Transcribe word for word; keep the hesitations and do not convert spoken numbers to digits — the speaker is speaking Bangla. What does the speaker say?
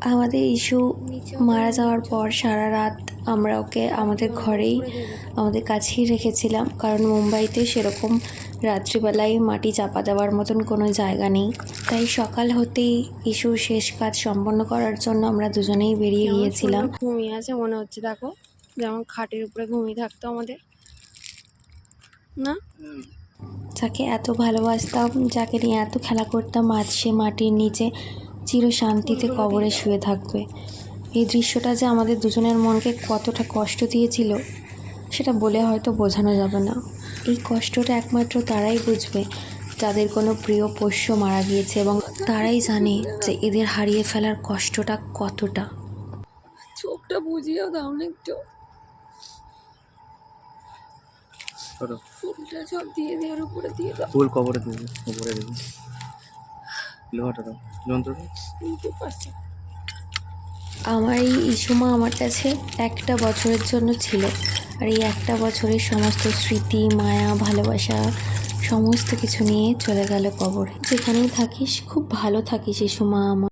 আমাদের ইস্যু মারা যাওয়ার পর সারা রাত আমরা ওকে আমাদের ঘরেই আমাদের কাছেই রেখেছিলাম, কারণ মুম্বাইতে সেরকম রাত্রিবেলায় মাটি চাপা দেওয়ার মতন কোনো জায়গা নেই। তাই সকাল হতেই ইস্যুর শেষ কাজ সম্পন্ন করার জন্য আমরা দুজনেই বেরিয়ে গিয়েছিলাম। ঘুমিয়ে আছে মনে হচ্ছে, দেখো যেমন খাটের উপরে ঘুমিয়ে থাকতো আমাদের, না? যাকে এত ভালোবাসতাম, যাকে নিয়ে এত খেলা করতাম, আজ সে মাটির নিচে চির শান্তিতে কবরে শুয়ে থাকবে। এই দৃশ্যটা যে আমাদের দুজনের মনকে কতটা কষ্ট দিয়েছিল সেটা বলে হয়তো বোঝানো যাবে না। এই কষ্টটা একমাত্র তারাই বুঝবে যাদের কোনো প্রিয় পোষ্য মারা গিয়েছে, এবং তারাই জানে যে এদের হারিয়ে ফেলার কষ্টটা কতটা। চোখটা বুঝিয়েও দাও না একটু, ফুলটা সব দিয়ে দেওয়ার উপরে দিয়ে দাও। ফুল কবরে দেবে, কবরে দেবে। লোহাটা দাও, যন্ত্রটা নিতে পারছি। আমার এই ইসুমা আমার কাছে একটা বছরের জন্য ছিল, আর এই একটা বছরের সমস্ত স্মৃতি, মায়া, ভালোবাসা সমস্ত কিছু নিয়ে চলে গেল কবরে। যেখানেই থাকিস খুব ভালো থাকিস ইসুমা আমার।